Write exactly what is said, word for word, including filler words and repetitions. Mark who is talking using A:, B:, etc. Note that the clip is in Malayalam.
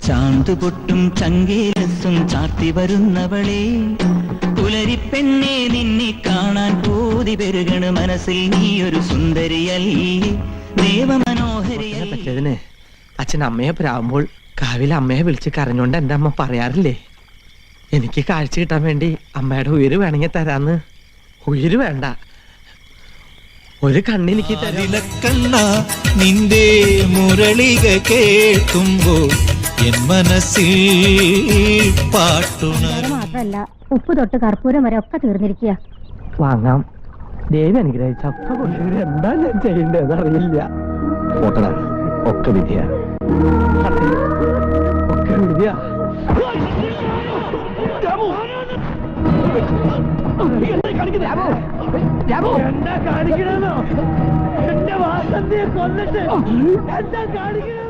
A: ചാന്തുപൊട്ടും ചങ്കേലസും ചാർത്തി വരുന്നവളെ, പുലരിപ്പെണ്ണെ നിന്നെ കാണാൻ പൂതി പെരുകണ് മനസ്സിൽ, നീയൊരു സുന്ദരിയല്ലേ ദേവമനോഹരിയല്ലേ.
B: പറ്റതിന് അച്ഛൻ അമ്മയെ പ്രാവുമ്പോൾ കാവിലെ അമ്മയെ വിളിച്ച് കരഞ്ഞോണ്ട് എൻ്റെ അമ്മ പറയാറില്ലേ, എനിക്ക് കാഴ്ച കിട്ടാൻ വേണ്ടി അമ്മയുടെ ഉയിര് വേണമെങ്കിൽ തരാന്ന്. ഉയിര് വേണ്ട, ഒരു കണ്ണെനിക്ക്
C: തരിലക്കണ്ണ നിന്റെ മുരളിക കേൾക്കുമ്പോൾ എൻ മനസ്സിൽ പാട്ടുണർ.
D: മാത്രല്ല ഉപ്പ് തൊട്ട് കർപ്പൂരം വരെ ഒക്കെ തീർന്നിരിക്കുക.
B: വാങ്ങാം. ദേവി അനുഗ്രഹിച്ച ഒക്കെ കൊണ്ടുവരും. എന്താ ഞാൻ ചെയ്യേണ്ടത് അറിയില്ല.
E: ഒക്കെ വിധിയാ,
B: ഒക്കെ വിധിയാ. എന്താ കാണിക്കണോ? എന്റെ വാസന്തിയെ കൊന്നിട്ട് എന്താ കാണിക്കണോ?